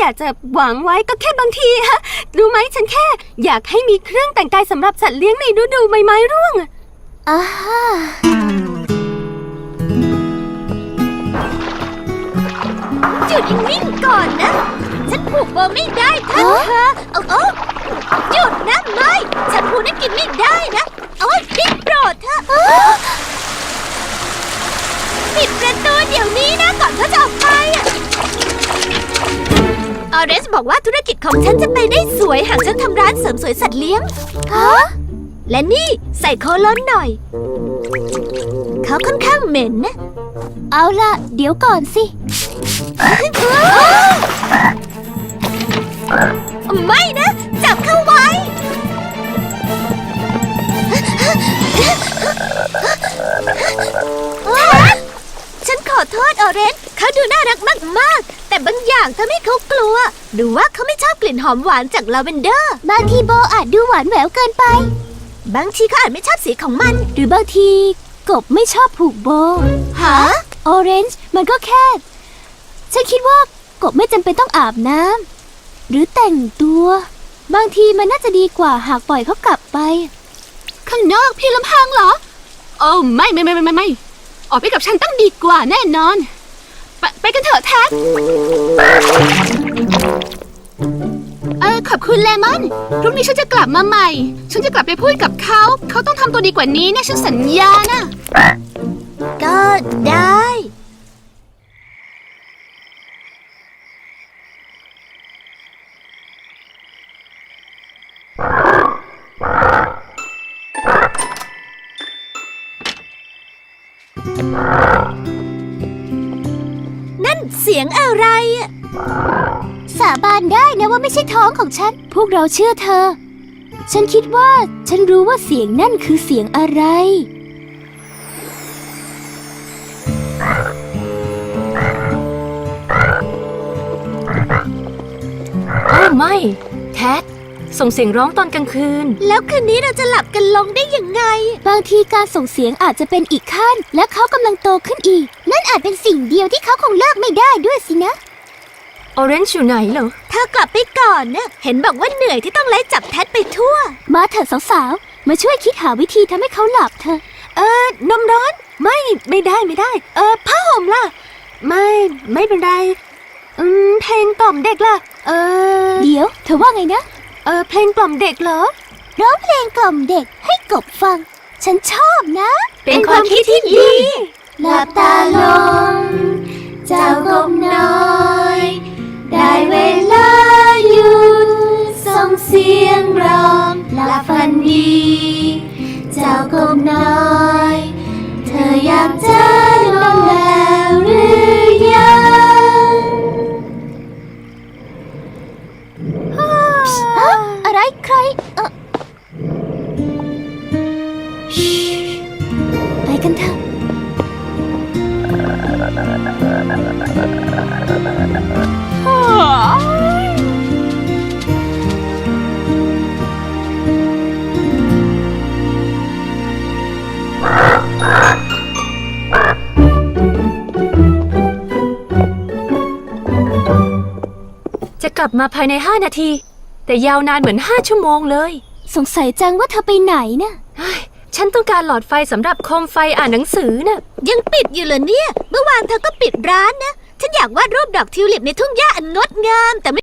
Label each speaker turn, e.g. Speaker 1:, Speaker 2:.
Speaker 1: ากจะหวังไว้ก็แค่บางทีฮะรู้ไหมฉันแค่อยากให้มีเครื่องแต่งกายสำหรับสัตว์เลี้ยงในฤดูใบไม้ร่วงจุดนิ่งๆก่อนนะฉันผูกโบไม่ได้ท่านเธอหยุดนะไม่ฉันผูกนั่นกินไม่ได้นะพี่โปรดเถอะปิดประตูเดี๋ยวนี้นะก่อนเขาจะออกไปออเรนจ์บอกว่าธุรกิจของฉันจะไปได้สวยหากฉันทำร้านเสริมสวยสัตว์เลี้ยงและนี่ใส่โคลอนหน่อยเขาค่อนข้างเหม็นนะเอาล่ะเดี๋ยวก่อนสิไม่นะจับเข้าไว้ฉันขอโทษออเรนจ์เขาดูน่ารักมากๆแต่บางอย่างทำให้เขากลัวหรือว่าเขาไม่ชอบกลิ่นหอมหวานจากลาเวนเดอร์บางทีโบอาจดูหวานแหววเกินไปบางทีเขาอาจไม่ชอบสีของมันหรือบางทีกบไม่ชอบผูกโบฮะออเรนจ์มันก็แค่ฉันคิดว่ากบไม่จำเป็นต้องอาบน้ำหรือแต่งตัวบางทีมันน่าจะดีกว่าหากปล่อยเขากลับไปข้างนอกพี่ลำพังเหรอโอ้ไม่ออกไปกับฉันต้องดีกว่าแน่นอนไปกันเถอะแท็กขอบคุณเลมอนพรุ่งนี้ฉันจะกลับมาใหม่ฉันจะกลับไปพูดกับเขาต้องทำตัวดีกว่านี้นะฉันสัญญานะก็ได้นั่นเสียงอะไรสาบานได้นะว่าไม่ใช่ท้องของฉันพวกเราเชื่อเธอฉันคิดว่าฉันรู้ว่าเสียงนั่นคือเสียงอะไรไม่แท็กส่งเสียงร้องตอนกลางคืนแล้วคืนนี้เราจะหลับกันลงได้ยังไงบางทีการส่งเสียงอาจจะเป็นอีกขั้นและเขากำลังโตขึ้นอีกนั่นอาจเป็นสิ่งเดียวที่เขาคงเลิกไม่ได้ด้วยสินะออเรนจ์อยู่ไหนเหรอเธอกลับไปก่อนนะเห็นบอกว่าเหนื่อยที่ต้องไล่จับแท็ดไปทั่วมาเถอะสาวๆมาช่วยคิดหาวิธีทำให้เขาหลับเถอะนมร้อนไม่ได้ผ้าห่มล่ะไม่เป็นไรเพลงกล่อมเด็กล่ะเดี๋ยวเธอว่าไงนะเพลงกล่อมเด็กเหรอร้องเพลงกล่อมเด็กให้กบฟังฉันชอบนะเป็นความคิดที่ดีหลับตาลงเจ้ากบน้อยได้เวลาหยุดส่งเสียงร้องหลับฝันดีเจ้ากบน้อยเธออยากจะนอนแล้วหรือยังอะไรใครไปกันเถอะจะกลับมาภายใน5 นาทีแต่ยาวนานเหมือน5 ชั่วโมงเลยสงสัยจังว่าเธอไปไหนนะฉันต้องการหลอดไฟสำหรับโคมไฟอ่านหนังสือน่ะยังปิดอยู่เหรอเนี่ยเมื่อวานเธอก็ปิดร้านนะฉันอยากวาดรูปดอกทิวลิปในทุ่งหญ้าอันงดงามแต่